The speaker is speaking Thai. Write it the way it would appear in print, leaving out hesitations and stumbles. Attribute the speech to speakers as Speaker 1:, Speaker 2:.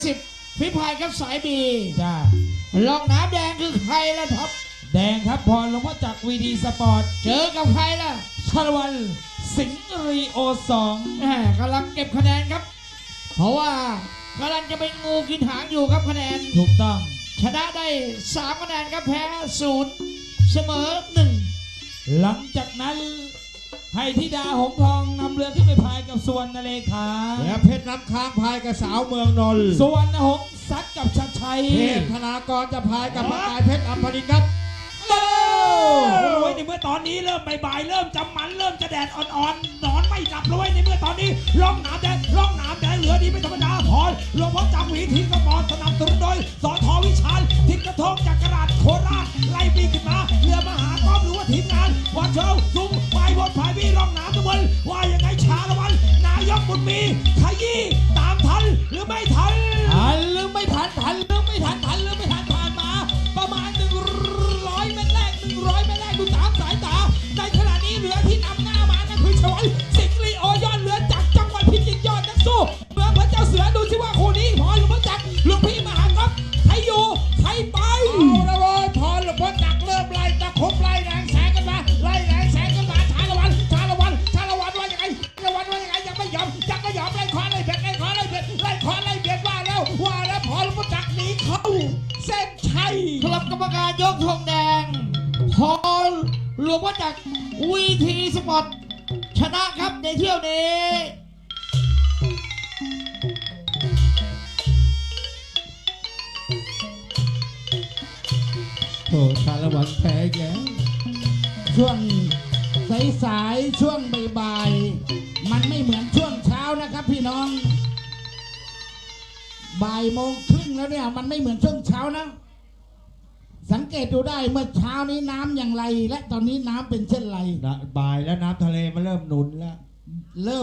Speaker 1: 10ฝีพายครับสายบี
Speaker 2: จ้า
Speaker 1: ลองน้ำแดงคือใครล่ะท็อป
Speaker 2: แดงครับพรหลวงพ่อจักรวีดีสปอร์ต
Speaker 1: เจอกับใครล่ะ
Speaker 2: ชาละวันสิงห์รีโอ2
Speaker 1: แหมกำลังเก็บคะแนนครับ เพราะว่ากำลังจะเป็นงูกินหางอยู่ครับคะแนน
Speaker 2: ถูกต้อง
Speaker 1: ชนะได้3คะแนนครับแพ้0เสมอ1
Speaker 2: หลังจากนั้นให้ธิดาหงทองนำเรือขึ้นไปพายกับสุวรรณเลขา
Speaker 3: และเพชรน้ำค้างพายกับสาวเมืองนนท์
Speaker 2: สุวรรณหงส์ซัดกับชัดชัย
Speaker 3: เทพธนากรจะพายกับประกายเพชรอัมพลินครับ
Speaker 2: โอ้ยในเมื่อตอนนี้เริ่มบ่ายๆเริ่มจะมันเริ่มจะแดดอ่อนๆนอนไม่หลับเลยในเมื่อตอนนี้ร่องน้ำแดงเหลือดีไม่ธรรมดาพรหลวงพ่อจักรวีทีกระบอกสนับสนุนโดยสทวิชาญทิศกระทงจากกระดาษโคราชไล่ปีขึ้นมาเรือมหากรหรือว่าทีมงานวัดเชลซุ้มไฟบนไฟวีร่องน้ำตะวันว่ายังไงชาละวันนายกบุญมีขยี้ตามทันหรือไม่ทันหรือไม่ทันผ่านมาประมาณ100 เมตรแรกดูตามสายตาในขณะนี้เรือที่นำหน้ามานั่นคือชวัยสิงห์ลีโอยอดเรือจากจังหวัดพิจิตรยอดนักสู้เมืองพระเจ้าเสือดูสิว่าคู่นี้พรหลวงพ่อจักรหลวงพี่มหากรใครอยู่ใครไป
Speaker 3: เอาละเว้ยพรหลวงพ่อจักรเริ่มไล่ตะคุบไล่แรงแสงกันมาชาละวันว่ายังไงยังไม่ยอมไล่คว้าไล่เบียดว่าแล้วพรหลวงพ่อจักรหนีเข้าเส้นชัย
Speaker 1: คณะกรรมการยกธงแดงพอหลวงพ่อจักรวีทีสปอร์ตชนะครับในเที่ยวนี้
Speaker 3: โอ้ชาละวันแพ้แก
Speaker 4: ช่วงสายๆช่วงบ่ายๆมันไม่เหมือนช่วงเช้านะครับพี่น้อง13:30แล้วเนี่ยมันไม่เหมือนช่วงเช้านะ สังเกตดูได้เมื่อเช้านี้น้ำอย่างไรและตอนนี้น้ำเป็นเช่นไร
Speaker 3: บ่ายแล้วน้ำทะเลมันเริ่มหนุนแล้ว
Speaker 4: เริ่ม